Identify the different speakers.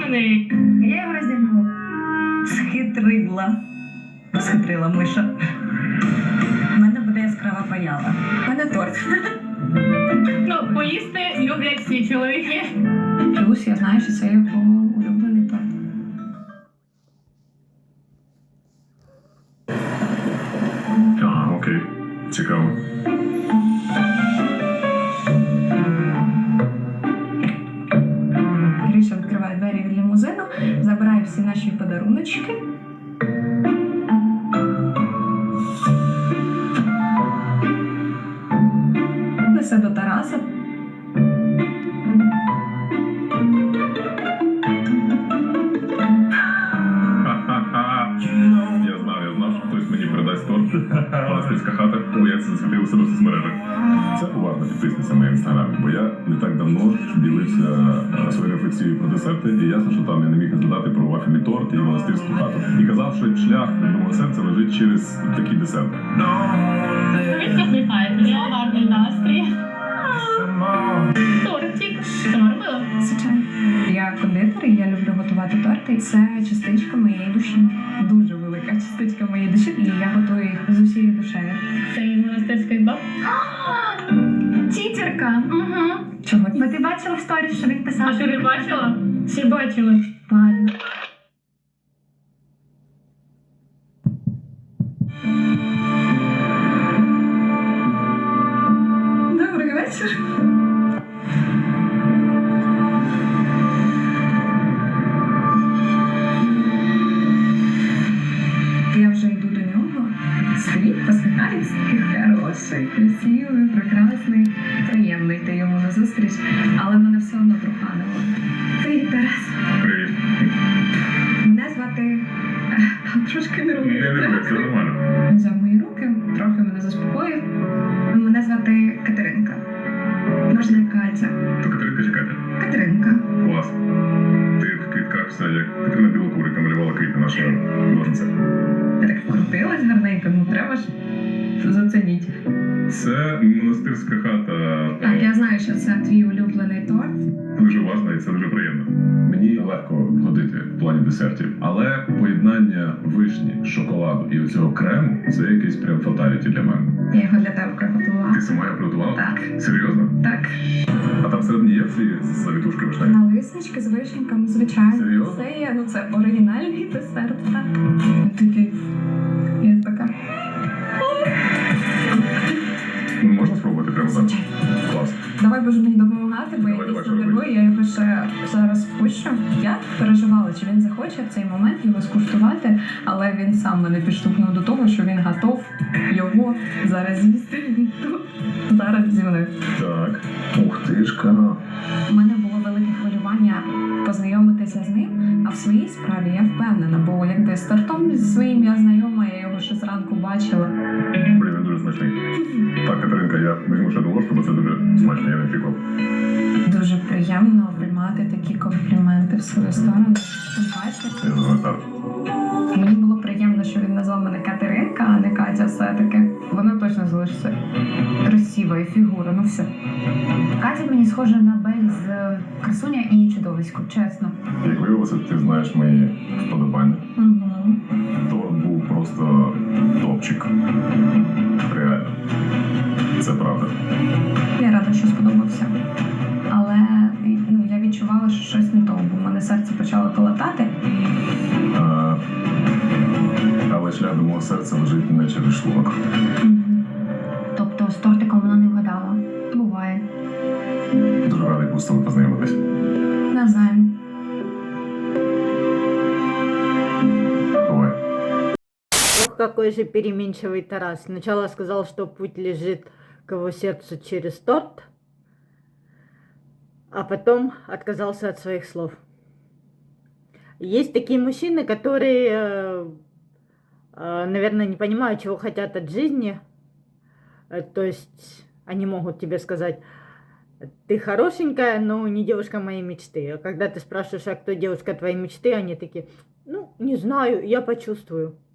Speaker 1: розумний.
Speaker 2: Я його роздягнула. Схитрила миша. У мене буде яскрава паяла. У мене торт.
Speaker 1: Ну, поїсти люблять всі чоловіки.
Speaker 2: Плюс я знаю, що це його улюблений торт.
Speaker 3: Ага, окей. Цікаво.
Speaker 2: Гриша відкриває двері від лімузину, забирає всі наші подаруночки. Несе до Тараса.
Speaker 3: Я знав, що хтось мені передасть торт. Монастирська хата, бо я це засвітив себе в соцмережах. Це уважно підписуйся на інстаграм, бо я не так давно ділився своєю рефлексією про десерти, і ясно, що там я не міг не згадати про вафельний торт і монастирську хату. І казав, що шлях до мого серця лежить через такі десерти.
Speaker 1: Він посміхається, в нього гарний настрій. Тортик. Сама робила?
Speaker 2: Звичайно. Я кондитер, і я люблю готувати торти. І це частичка моєї душі. Дуже велика частичка моєї душі. І я готую їх з усією душею.
Speaker 1: Це від монастирської баб.
Speaker 4: Тітерка.
Speaker 1: Угу.
Speaker 2: Чого?
Speaker 4: Бо ти бачила в сторіс, що він
Speaker 1: А
Speaker 4: писав?
Speaker 1: що ви бачила? Всі бачили.
Speaker 2: Ладно. Добрий вечір. Я вже йду до нього. Стоїть, посміхається, хороший, красивий, прекрасний, приємний йти йому на зустріч, але мене все одно труханило. Привіт, Тарас.
Speaker 3: Привіт.
Speaker 2: Мене звати... Трошки нервує.
Speaker 3: Це нормально.
Speaker 2: Він взяв мої руки, трохи мене заспокоїв. Мене звати Катеринка. Можна як Катя.
Speaker 3: То Катеринка чи Катя?
Speaker 2: Катеринка.
Speaker 3: Клас. Ти в квітках все, як Катерина Білокурика малювала квіти наша ножниця.
Speaker 2: Я так вкрутилась гарненько, ну треба ж зацініть.
Speaker 3: Це монастирська хата.
Speaker 2: Так, я знаю, що це твій улюблений торт.
Speaker 3: Дуже важливо і це дуже приємно. Мені легко ходити в плані десертів, але поєднання вишні, шоколаду і оцього крему – це якийсь прям фаталіті для мене.
Speaker 2: Я його для тебе приготувала.
Speaker 3: Ти сама його приготувала?
Speaker 2: Так.
Speaker 3: Серйозно?
Speaker 2: Так.
Speaker 3: А там всередині є ці завітушки вишневі?
Speaker 2: Налиснички з вишеньками, звичайно.
Speaker 3: Серйозно?
Speaker 2: Це є, ну це оригінальний десерт, так. Такий. Я така.
Speaker 3: Ну, можна спробувати прямо зараз?
Speaker 2: Звичайно.
Speaker 3: Клас.
Speaker 2: Давай будеш мені допомагати, бо я
Speaker 3: Давай,
Speaker 2: дійсно
Speaker 3: що робити?
Speaker 2: нервую, я його ще зараз впущу. Я переживала, чи він захоче в цей момент його скуштувати, але він сам мене підштовхнув до того, що він готов його зараз з'їсти. Він тут зараз зі мною.
Speaker 3: Так. Ух ти ж ка.
Speaker 2: У мене було велике хвилювання познайомитися з ним, а в своїй справі я впевнена, бо якби з тортом зі своїм я знайома, я його ще зранку бачила.
Speaker 3: Блін, він дуже смачний. Так, Катеринка, я візьму ще до ложку, бо це дуже смачно, я не очікував.
Speaker 2: Дуже приємно приймати такі компліменти в свою сторону. Тим паче,
Speaker 3: Я знаю так.
Speaker 2: мені було приємно, що він назвав мене Катеринка, а не Катя все-таки. Вона точно залишиться красива і фігура, ну все.
Speaker 4: Катя мені схожа на Бель з Красуня і Чудовисько, чесно.
Speaker 3: Як виявилося, ти знаєш мої вподобання.
Speaker 2: Угу.
Speaker 3: Торт був просто топчик. Реально. Це правда.
Speaker 2: Я рада, що сподобався. Але ну, я відчувала, що щось не то, бо в мене серце почало колотати.
Speaker 3: Але шлях до мого серця лежить не через шлунок.
Speaker 4: Тобто з тортиком вона не вгадала.
Speaker 2: Буває.
Speaker 3: Дуже радий був з тобою познайомитись.
Speaker 2: Навзаєм.
Speaker 3: Бувай.
Speaker 5: Ох, какой же переменчивый Тарас. Сначала сказал, что путь лежит к его сердцу через торт, а потом отказался от своих слов. Есть такие мужчины, которые, наверное, не понимают, чего хотят от жизни. То есть они могут тебе сказать: ты хорошенькая, но не девушка моей мечты. А когда ты спрашиваешь, а кто девушка твоей мечты, они такие: ну, не знаю, я почувствую.